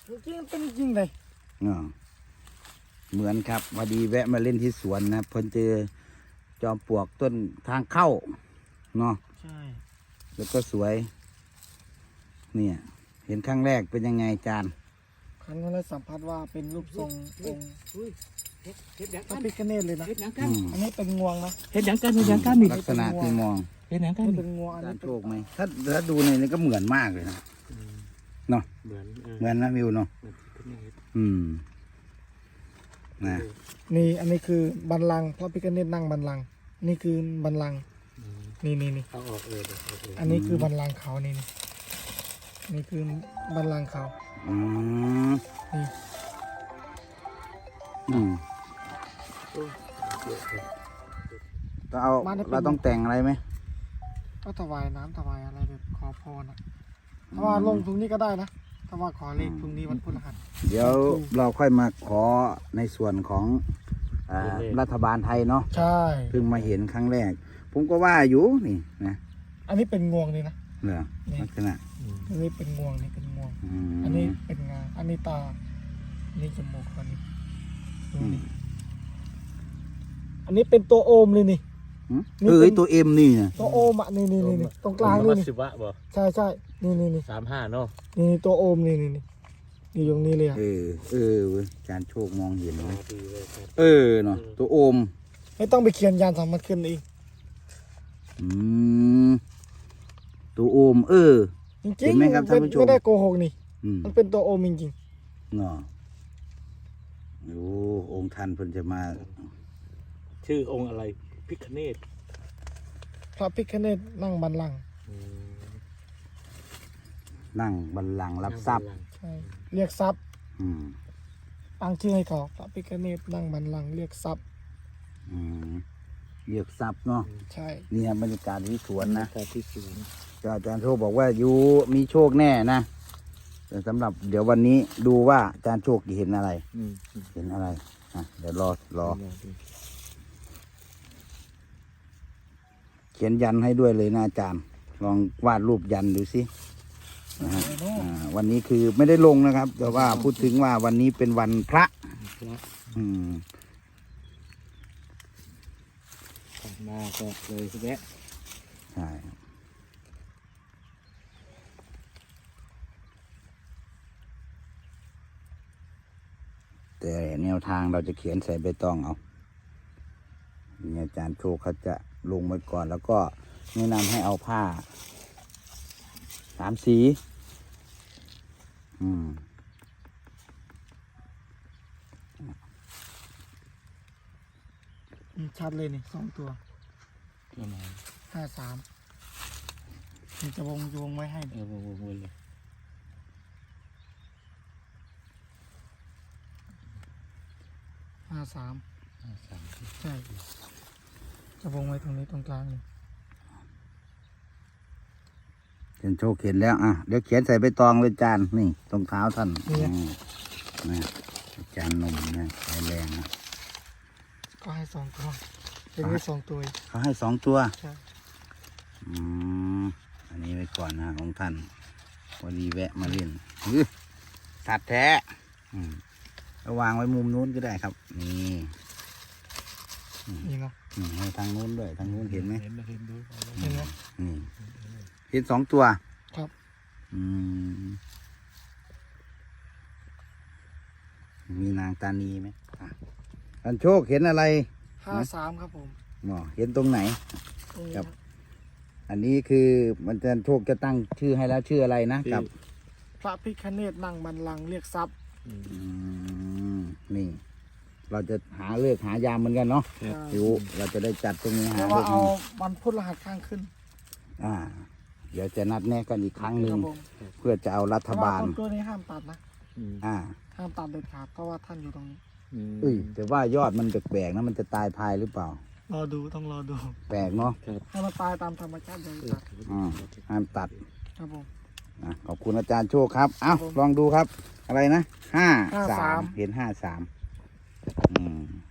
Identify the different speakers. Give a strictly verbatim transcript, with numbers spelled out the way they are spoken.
Speaker 1: จริงเป็นจริงเลย
Speaker 2: อ๋อเหมือนครับพอดีแวะมาเล่นที่สวนนะเพิ่นเจอจอมปลวกต้นทางเข้าเนาะ
Speaker 1: ใช่
Speaker 2: แล้วก็สวยเนี่ยเห็นครั้งแรกเป็นยังไงจาน
Speaker 1: ครั้งแรกสัมผัสว่าเป็นรูปทรงองค์พระพิฆเนศเลยนะอันนี้เป็นงวงนะ
Speaker 3: เห็นอย่างกันเห็นอย่างกันนี่
Speaker 2: ลักษณะที่มอง
Speaker 3: เห็นอย่างกัน
Speaker 1: นี่
Speaker 3: นี่
Speaker 1: เป็นงวงอัน
Speaker 2: จา
Speaker 1: นี้
Speaker 2: นโชคไหมถ้าถ้าดูในนี้ก็เหมือนมากเลยนะเนาะ
Speaker 3: เหมือน
Speaker 2: เหมือนนะวิวเนาะอืมนะ
Speaker 1: นี่อันนี้คือบัลลังก์พระพิฆเนศนั่งบัลลังก์นี่คือบัลลังก์นี่นี่นี่
Speaker 3: เอาออกเออเออ
Speaker 1: อันนี้คือบัลลังก์เขานี่นี่นี่คือบัลลังก์เขา
Speaker 2: อืม
Speaker 1: นี่
Speaker 2: อืมเราเอาเราต้องแต่งอะไรไหม
Speaker 1: ก็ถวายน้ำถวายอะไรแบบขอพรนะถ้าว่าลงตรงนี้ก็ได้นะถ้าว่าขอเลขตรงนี้วันพฤหัส
Speaker 2: เดี๋ยวเราค่อยมาขอในส่วนของอ่ารัฐบาลไทยเนาะ
Speaker 1: ใช่
Speaker 2: เพิ่งมาเห็นครั้งแรก ผมก็ว่าอยู่นี่นะ
Speaker 1: อันนี้เป็นงวงนี่นะ
Speaker 2: เหรอลักษณะ
Speaker 1: อันนี้เป็นงวงนี่เป็นงวง
Speaker 2: อืม
Speaker 1: อันนี้เป็นงา อันนี้ตา อันนี้จมูกอันนี้ดูนี่อันนี้เป็นตัวโอมเลยนี่
Speaker 2: หืม
Speaker 1: นี่
Speaker 2: เออ
Speaker 1: เป็น
Speaker 2: ไอ้ตัวเอ็มนี่นะ
Speaker 1: ตัวโอมอ่ะนี่นี่นี่นี่ตรงกลางนี่นี่
Speaker 3: สิบวะบ่
Speaker 1: ใช่ใช่นี่นี่นี่
Speaker 3: สามห้าเนาะ
Speaker 1: นี่นี่ตัวโอมนี่นี่นี่นี่ตรงนี้เลยอ่ะ
Speaker 2: เออเออเว้ยอาจารย์โชคมองเห็นไหม
Speaker 3: ดีเลยครับ
Speaker 2: เออเนาะตัวโอม
Speaker 1: ไม่ต้องไปเขียนยานสามัญขึ้นเอง
Speaker 2: อืมตัวโอม เออ
Speaker 1: จริง
Speaker 2: เห็นไหมครับ
Speaker 1: ๆ
Speaker 2: ท่านผู้ชม
Speaker 1: ไม่ได้โกหกนี่
Speaker 2: อืม
Speaker 1: มันเป็นตัวโอมจริง
Speaker 2: เนาะโอ้องค์ท่านเพิ่นจะมา
Speaker 3: ชื่อองค์อะไรพิฆเนศ
Speaker 1: ๆพระพิฆเนศนั่งบัลลังก์
Speaker 2: นั่งบัลลังก์รับทรัพย์
Speaker 1: ใช่เรียกทรัพย์
Speaker 2: อืม
Speaker 1: ตั้งชื่อให้เขาพระพิฆเนศนั่งบัลลังก์เรียกทรัพย์
Speaker 2: อืมเรียกทรัพย์เนาะ
Speaker 1: ใช่
Speaker 2: เนี่ยบรรยากาศที่สวนนะ
Speaker 3: แต่ที่สวน
Speaker 2: อาจารย์โชคบอกว่าอยู่มีโชคแน่นะแต่สำหรับเดี๋ยววันนี้ดูว่าอาจารย์โชคจะเห็นอะไร
Speaker 3: อืม
Speaker 2: เห็นอะไรอ่ะเดี๋ยวรอรอ เขียนยันให้ด้วยเลยนะอาจารย์ ลองวาดรูปยันดูสินะฮะอ่าวันนี้คือไม่ได้ลงนะครับ แต่ว่าพูดถึงว่าวันนี้เป็นวันพระ อืม
Speaker 3: มาก็เลยแวะ
Speaker 2: ใช่แต่แนวทางเราจะเขียนใส่ใบตองเอานี่อาจารย์โชคเขาจะลงไว้ก่อนแล้วก็แนะนำให้เอาผ้าสามสี อืม
Speaker 1: อืมชัดเลยนี่สองตัว
Speaker 3: ประมาณ
Speaker 1: ห้าสามนี่จะวงจะวงไว้ให้
Speaker 3: เออวนๆเลย
Speaker 1: ห้าสาม
Speaker 3: ห้าสาม
Speaker 1: ใช่ จะวงไว้ตรงนี้ตรงกลางนี่
Speaker 2: เขียนโชคเขียนแล้วอ่ะเดี๋ยวเขียนใส่ใบตองเลยจานนี่ตรงเท้าท่านอืมนะอาจารย์หนมนะใช้แรงนะ
Speaker 1: ก็ให้สองตัวเป็นนี้สองตัวอีก
Speaker 2: เขาให้สองตัว
Speaker 1: ใช่
Speaker 2: อืมอันนี้ไว้ก่อนนะของท่านวันนี้แวะมาเล่นอื้อสัตว์แท้อืมเอาวางไว้มุมนู้นก็ได้ครับ นี่
Speaker 1: นี่เนาะ
Speaker 2: อืมให้ทางนู้นด้วยทางนู้นเห็นไหม
Speaker 3: เห็นเห็นดู
Speaker 1: เห็นไหม
Speaker 2: นี่เห็นสองตัว
Speaker 1: ครับ
Speaker 2: อืมมีนางตานีไหมอ่ะอันโชคเห็นอะไร
Speaker 1: ห้าสามครับผม
Speaker 2: หมอเห็นตรงไหน
Speaker 1: ตรงนี้
Speaker 2: ครับ อันนี้คือมันจะโชคจะตั้งชื่อให้แล้วชื่ออะไรนะกับ
Speaker 1: พระพิฆเนศนั่งบัลลังก์เรียกทรัพย์
Speaker 2: อืมนี่ เราจะหาเลือกหายามเหมือนกันเนาะ
Speaker 1: ใช่
Speaker 2: อยู่เราจะได้จัดตรงนี้หา
Speaker 1: แต่
Speaker 2: เลื
Speaker 1: ว่า
Speaker 2: อก
Speaker 1: เอาวันพุธรหัสข้างขึ้น
Speaker 2: อ่า เดี๋ยวจะนัดแนะกันอีกครั้งหนึ่
Speaker 1: ค
Speaker 2: ง
Speaker 1: รับผม
Speaker 2: เพื่อจะเอารัฐ
Speaker 1: แต่ว่า
Speaker 2: บาล
Speaker 1: ต้นกล้วยนี้ห้ามตัดนะ
Speaker 2: อ่า
Speaker 1: ห้ามตัดเด็ดขาดเพราะว่าท่านอยู่ตรงนี้
Speaker 2: เอ้ยแต่ว่ายอดมันแปลกๆนะมันจะตายภายหรือเปล่า
Speaker 1: รอดูต้องรอดู
Speaker 2: แปลกเนาะ
Speaker 1: ให้มันตายตามธรรมชาติเลยตัด
Speaker 2: อ่าห้ามตัด
Speaker 1: ครับผม
Speaker 2: อ่ะขอบคุณอาจารย์โชคครับ เอ้า
Speaker 1: ครับผม
Speaker 2: ลองดูครับ อะไรนะห้า
Speaker 1: ห้า
Speaker 2: สา
Speaker 1: สาม ม
Speaker 2: เห็นห้าสามอืม